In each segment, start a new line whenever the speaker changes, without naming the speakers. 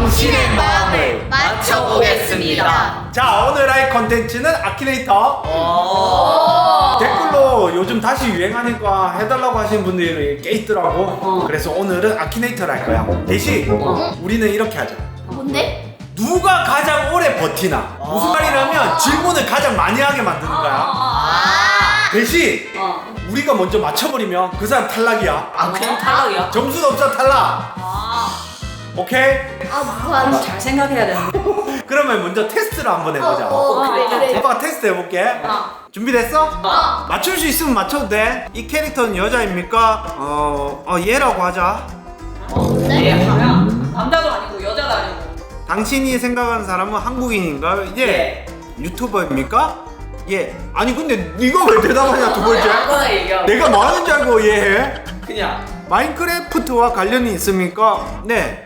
당신의 마음을 맞춰보겠습니다.
자, 오늘 할 컨텐츠는 아키네이터. 댓글로 요즘 다시 유행하니까 해달라고 하시는 분들이 꽤 있더라고. 그래서 오늘은 아키네이터를 할 거야. 대신 우리는 이렇게 하자.
뭔데?
누가 가장 오래 버티나. 무슨 말이냐면 질문을 가장 많이 하게 만드는 거야. 대신 우리가 먼저 맞춰버리면 그 사람 탈락이야.
아, 그냥 탈락이야?
점수도 없어, 탈락. 오케이?
뭐야?
잘 생각해야 되는데.
그러면 먼저 테스트를 한번 해보자.
그래.
오빠가 테스트 해볼게. 준비됐어? 맞출 수 있으면 맞춰도 돼. 이 캐릭터는 여자입니까? 얘라고 하자.
예, 남자도 아니고 여자도 아니고.
당신이 생각하는 사람은 한국인인가요? 예. 유튜버입니까? 예. 아니 근데 네가 왜 대답하냐, 두 번째?
아무거나 얘기하고.
내가 뭐 하는지 알고 얘해?
그냥.
마인크래프트와 관련이 있습니까? 네.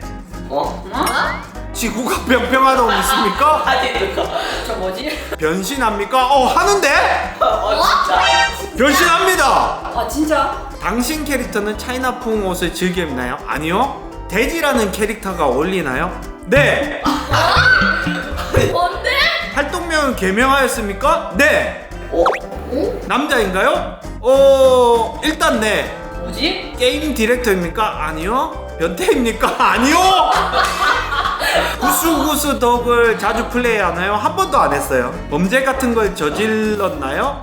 지구가 평평하다고 믿습니까?
아니, 저 뭐지?
변신합니까? 하는데?
진짜?
변신합니다.
아, 진짜?
당신 캐릭터는 차이나풍 옷을 즐겨 입나요? 아니요. 돼지라는 캐릭터가 어울리나요? 네.
뭔데?
활동명은 개명하였습니까? 네. 남자인가요? 일단 네.
뭐지?
게임 디렉터입니까? 아니요. 변태입니까? 아니요. 구수구수 덕을 자주 플레이하나요? 한 번도 안 했어요. 범죄 같은 걸 저질렀나요?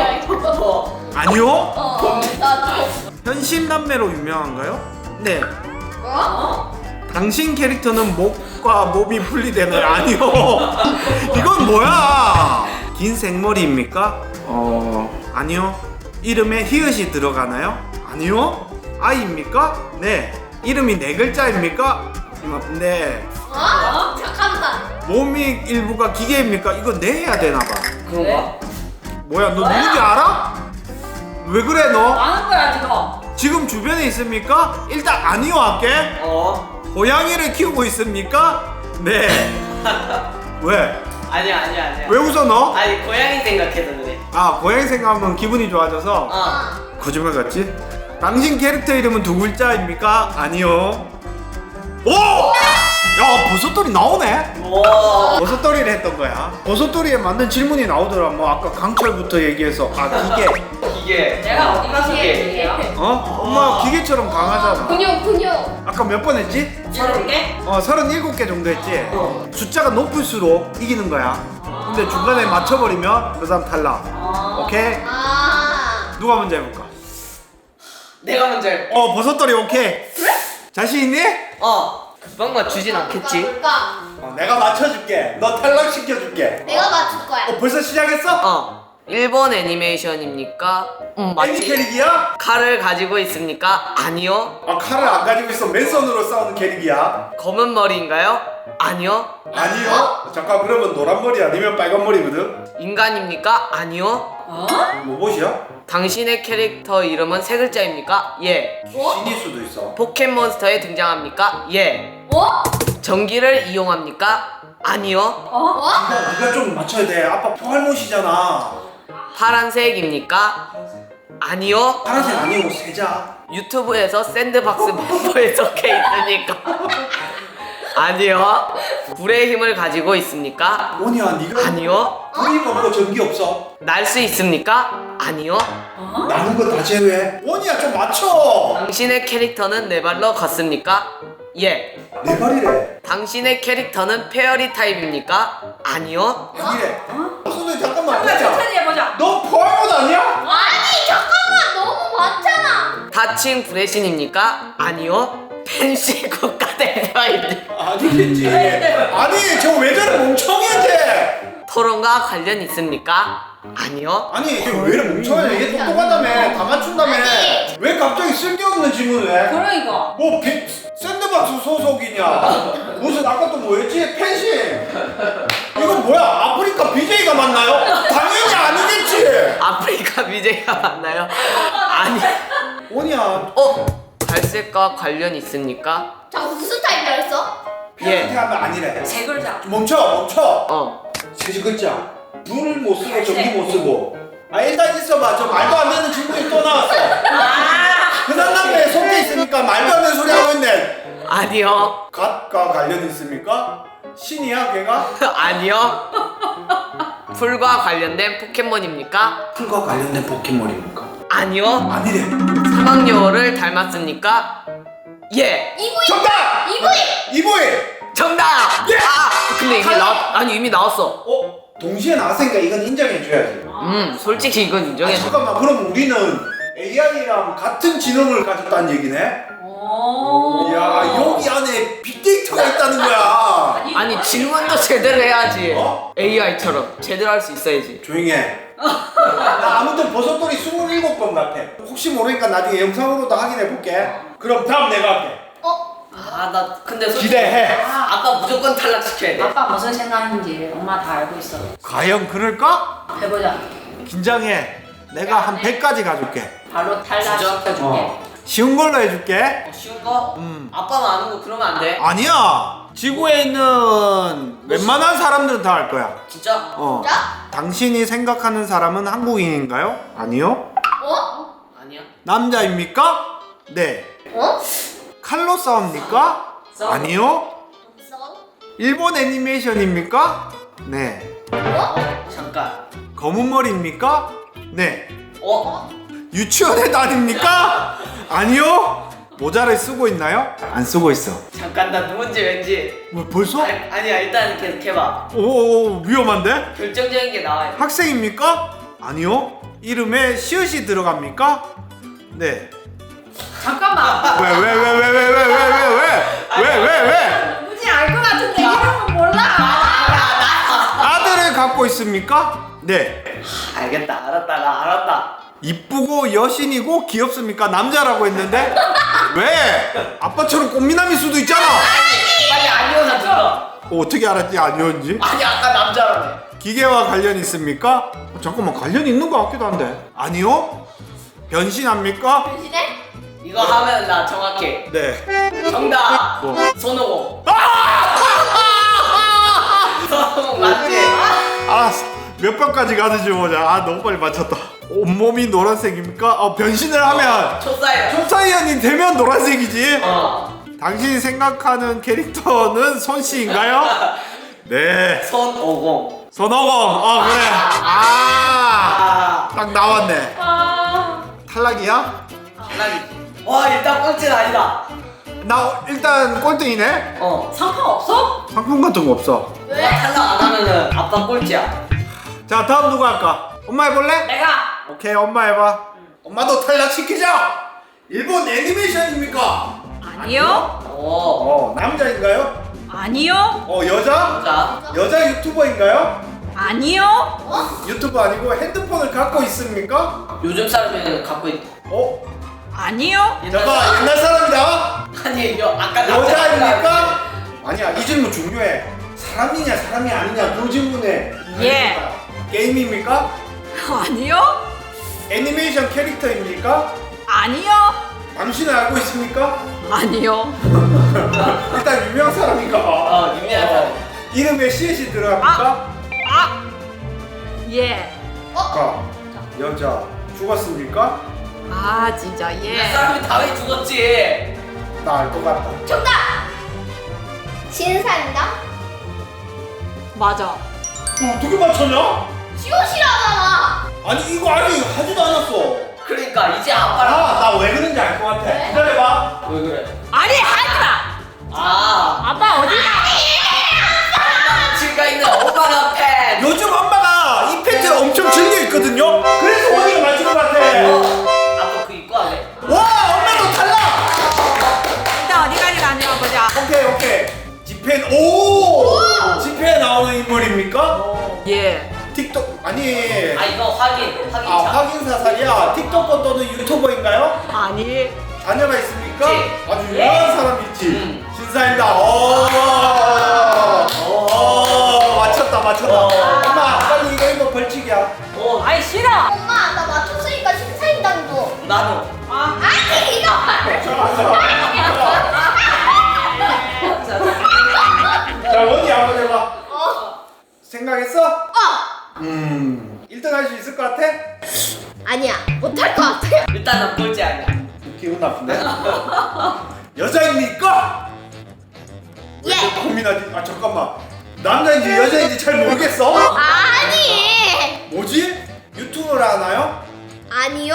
아니요.
나도.
현신남매로 유명한가요? 네.
뭐?
당신 캐릭터는 목과 몸이 분리되나요? 아니요. 이건 뭐야? 긴 생머리입니까? 아니요. 이름에 히읗이 들어가나요? 아니요. 아이입니까? 네. 이름이 네 글자입니까? 네.
잠깐만.
몸이 일부가 기계입니까? 이거 네 해야 되나봐.
그런가?
뭐야, 너 누군지 알아? 왜 그래 너?
아는 거야, 지금.
지금 주변에 있습니까? 일단 아니요 할게. 고양이를 키우고 있습니까? 네. 왜?
아니야.
왜 웃어 너?
아니 고양이 생각해서 그래.
아, 고양이 생각하면 기분이 좋아져서. 거짓말 같지? 당신 캐릭터 이름은 두 글자입니까? 아니요. 오! 야, 버섯돌이 나오네? 버섯돌이를 했던 거야. 버섯돌이에 맞는 질문이 나오더라. 뭐 아까 강철부터 얘기해서 기계.
이게
내가 어디 가서
기계.
얘기해요?
엄마 기계처럼 강하잖아.
근육.
아까 몇 번 했지?
30개?
37개 정도 했지? 숫자가 높을수록 이기는 거야. 근데 중간에 맞춰버리면 그 사람 탈락. 오케이? 누가 먼저 해볼까?
내가 먼저 해.
버섯돌이 오케이. 자신 있니?
금방 맞추진 않겠지.
뭘까?
내가 맞춰줄게. 너 탈락시켜줄게.
내가 맞출 거야.
벌써 시작했어?
일본 애니메이션입니까?
애니
맞지?
캐릭이야?
칼을 가지고 있습니까? 아니요.
칼을 안 가지고 있어. 맨손으로 싸우는 캐릭이야.
검은 머리인가요? 아니요.
아니요. 잠깐, 그러면 노란 머리 아니면 빨간 머리거든?
인간입니까? 아니요.
로봇이야?
당신의 캐릭터 이름은 세 글자입니까? 예.
신일 수도 있어.
포켓몬스터에 등장합니까? 예. 전기를 이용합니까? 아니요.
네가 좀 맞춰야 돼. 아빠 포할못이잖아.
파란색입니까? 아니요.
파란색 아니고 세자.
유튜브에서 샌드박스 멤버에 적혀 있으니까? 아니요. 불의 힘을 가지고 있습니까?
원이야, 네가
아니요.
불이 없고 전기 없어.
날 수 있습니까? 아니요.
나는 거 다 제외해. 원이야, 좀 맞춰.
당신의 캐릭터는 네 발로 걷습니까? 예.
내 발이래.
당신의 캐릭터는 페어리 타입입니까? 아니요.
아니래. 선생님 잠깐만.
천천히 해보자.
너 포할못 아니야?
아니 잠깐만, 너무 많잖아.
다칭 브레신입니까? 아니요. 펜시 국가대표입니다.
아니겠지. 아니, 저 왜 저래 멍청이지?
토론과 관련 있습니까? 아니요.
아니, 이게 왜 이래 멍청해? 이게 똑똑하다며. 다 맞춘다며.
아니.
왜 갑자기 쓸데없는 질문을 해?
그러니까.
뭐 샌드박스 소속이냐? 무슨 아까 또 뭐였지? 펜싱. 이건 뭐야? 아프리카 BJ가 맞나요? 당연히 아니겠지.
아프리카 BJ가 맞나요? 아니.
원이야.
갈색과 관련 있습니까?
자, 무슨 타입이라 했어?
이렇게
예.
하면 아니래.
세 글자.
멈춰. 세 글자. 불을 못 쓰고 전기 못 쓰고. 일단 있어봐. 저 말도 안 되는 질문이 또 나왔어. 그 사람에 속에 있으니까 말도 안 되는 소리 하고 있네.
아니요.
갓과 관련 있습니까? 신이야 걔가?
아니요. 풀과 관련된 포켓몬입니까?
풀과 관련된 포켓몬입니까?
아니요.
아니래.
사막여우를 닮았습니까? 예.
이브이.
정답! 이보이!
정답.
예!
근데 이미 아니 이미 나왔어.
동시에 나왔으니까 이건 인정해줘야지.
솔직히 이건 인정해.
잠깐만, 그럼 우리는 AI랑 같은 지능을 가졌다는 얘기네?
오.
야, 여기 안에 빅데이터가 있다는 거야.
아니 질문도 제대로 해야지.
어?
AI처럼 제대로 할 수 있어야지.
조용히 해. 나 아무튼 버섯돌이 27번 같아. 혹시 모르니까 나중에 영상으로도 확인해 볼게. 그럼 다음 내가 할게.
아 나 근데 솔직히
기대해.
아빠 무조건 탈락시켜야 돼.
아빠 무슨 생각인지 엄마 다 알고 있어.
과연 그럴까?
해보자.
긴장해. 내가 한 100까지 가줄게.
바로 탈락시켜줄게.
쉬운 걸로 해줄게.
쉬운 거? 아빠만 아는 거 그러면 안 돼.
아니야. 지구에 있는 웬만한 사람들은 다 알 거야.
진짜?
진짜?
당신이 생각하는 사람은 한국인인가요? 아니요.
아니야.
남자입니까? 네. 칼로 싸웁니까?
싸워.
아니요.
없어.
일본 애니메이션입니까? 네.
잠깐.
검은 머리입니까? 네.
어?
유치원에 다닙니까? 아니요. 모자를 쓰고 있나요? 안 쓰고 있어.
잠깐 나 누군지 왠지.
뭐 벌써?
아니야 일단 계속 해봐.
오, 위험한데?
결정적인 게 나와야 돼.
학생입니까? 아니요. 이름에 시옷이 들어갑니까? 네.
잠깐만.
왜?
누군지 알 것 같은데 이름은 몰라.
아들을 갖고 있습니까? 네.
알겠다. 알았다.
이쁘고 여신이고 귀엽습니까? 남자라고 했는데 왜? 아빠처럼 꽃미남일 수도 있잖아.
빨리 아니오나 들어.
어떻게 알았지 아니었는지?
아니 아까 남자라며.
기계와 관련 있습니까? 잠깐만, 관련 있는 것 같기도 한데. 아니요. 변신합니까?
변신해?
이거 하면 나 정확해.
네.
정답.
뭐?
손오공. 손오공 맞지?
아, 몇 번까지 가는지 보자. 아, 너무 빨리 맞췄다. 온몸이 노란색입니까? 변신을 하면
초사야.
초사이언이 되면 노란색이지.
어.
당신이 생각하는 캐릭터는 손씨인가요? 네.
손오공.
손오공. 그래.
아.
딱 나왔네.
아.
탈락이야?
탈락이지. 와 일단 꼴찌는 아니다.
나 일단 꼴등이네.
상품 없어?
상품 같은 거 없어.
왜?
탈락 안 하면은 아빠 꼴찌야.
자, 다음 누가 할까? 엄마 해볼래?
내가.
오케이, 엄마 해봐. 엄마도 탈락시키자. 일본 애니메이션입니까?
아니요.
남자인가요?
아니요.
여자?
자.
여자 유튜버인가요?
아니요.
유튜버 아니고 핸드폰을 갖고 있습니까?
요즘 사람이 갖고 있.
아니요.
잠깐, 옛날 사람이다.
아니 아까
여자입니까? 아니야, 이 질문 중요해. 사람이냐 사람이 아니냐 그 질문에.
예.
게임입니까?
아니요.
애니메이션 캐릭터입니까?
아니요.
당신은 알고 있습니까?
아니요.
일단 유명한 사람인가 봐.
유명한 사람.
이름에 시옷이 들어갑니까?
예.
아까 여자 죽었습니까?
아 진짜
이
예.
사람이 다왜 죽었지?
나 알 것 같다.
정답. 신사인가?
맞아.
어떻게 맞췄냐?
시옷이라잖아.
아니 이거 아직 하지도 않았어.
그러니까 이제 아빠랑.
나 왜 그런지 알 것 같아.
왜?
기다려봐.
왜 그래?
아니 하지마. 아빠 어디가?
지가 있는 오바나 팬.
요즘 엄마가 이 팬츠를 엄청 즐겨 있거든요. 그래서 원이가 맞춘 것 같아.
아빠 그 입고 할래?
와, 엄마도 탈락.
일단 어디까지 가냐 보자.
오케이. 지펜. 오! 지펜에 나오는 인물입니까?
예.
틱톡 아니.
아 이거 확인차.
확인 사살이야. 틱톡커 또는 유튜버인가요?
아니.
자녀가 있습니까?
있지.
아주 유명한 사람이 있지. 신사입니다. 맞췄다. 엄마, 빨리 이거 벌칙이야.
아이 싫어.
엄마 나 맞췄으니까 신사임당도.
나도.
아니 이거.
자, 원이 한번 해봐. 생각했어? 1등 할 수 있을 것 같아?
아니야 못할 것 같아.
일단은 꼴찌 아니야.
기분 나쁜데? 여자입니까? 고민하지. 아 잠깐만. 남자인지 여자인지 잘 모르겠어.
아니.
뭐지? 유튜브를 하나요?
아니요.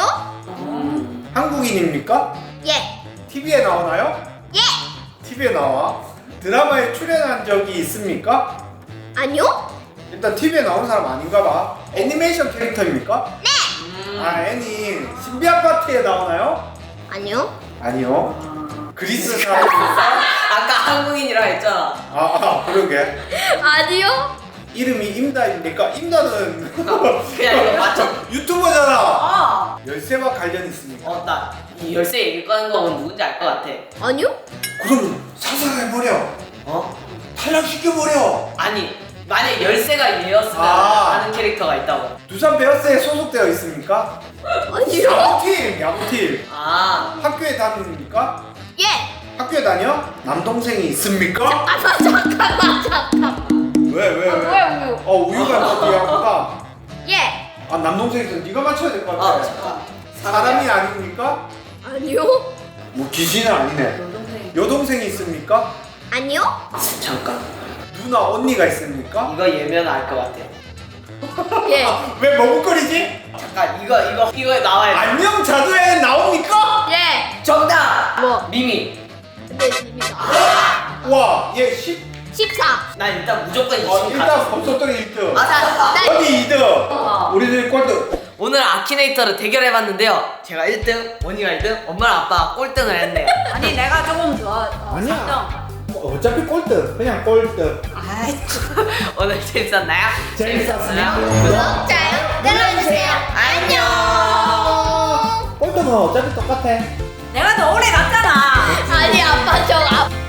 한국인입니까?
예.
TV에 나오나요?
예.
TV에 나와. 드라마에 출연한 적이 있습니까?
아니요.
일단 TV에 나온 사람 아닌가 봐. 애니메이션 캐릭터입니까? 네. 아 애니. 신비 아파트에 나오나요?
아니요.
아니요. 그리스 사람입니까?
아까 한국인이라 했잖아.
그러게.
아니요.
이름이 임다입니까? 임다는
그냥 이거 맞춰.
유튜버잖아. 열쇠와 관련 있습니까?
나이 열쇠 얘기 꺼낸 거 보면 누군지 알 것 같아.
아니요.
그럼 사살해버려.
어?
탈락시켜버려.
아니 만약 열쇠가 얘였으면
아.
하는 캐릭터가 있다고.
두산 베어스에 소속되어 있습니까?
아니요.
야구팀.
아.
학교에 다닙니까?
예.
학교에 다녀? 남동생이 있습니까?
잠깐만.
왜?
왜 우유?
우유가 어디 야구가?
예.
남동생 있어. 네가 맞춰야 될 것 같아.
잠깐.
사람이 아닙니까?
아니요.
뭐 귀신은 아니네. 여동생이 있습니까?
아니요.
잠깐.
누나 언니가 있습니까?
이거 예면 알 것 같아.
예.
왜 머뭇거리지?
잠깐 이거 나와야 돼.
안녕 자두에 나옵니까?
예.
정답.
뭐?
미미.
네, 입니다.
와, 얘 10.
14.
난 일단 무조건 20
일단
가졌어.
범석돌이 1등.
나
언니 2등. 우리들 꼴등.
오늘 아키네이터를 대결해봤는데요. 제가 1등, 원희가 1등, 엄마랑 아빠가 꼴등을 했네요.
아니 내가 조금 더.
아니야. 어차피 꼴등. 그냥 꼴등.
아이.
오늘 재밌었나요?
재밌었어요.
구독, 좋아요 눌러주세요. 안녕.
꼴등은 어차피 똑같아.
내가 더 오래 갔잖아.
아니 아빠 저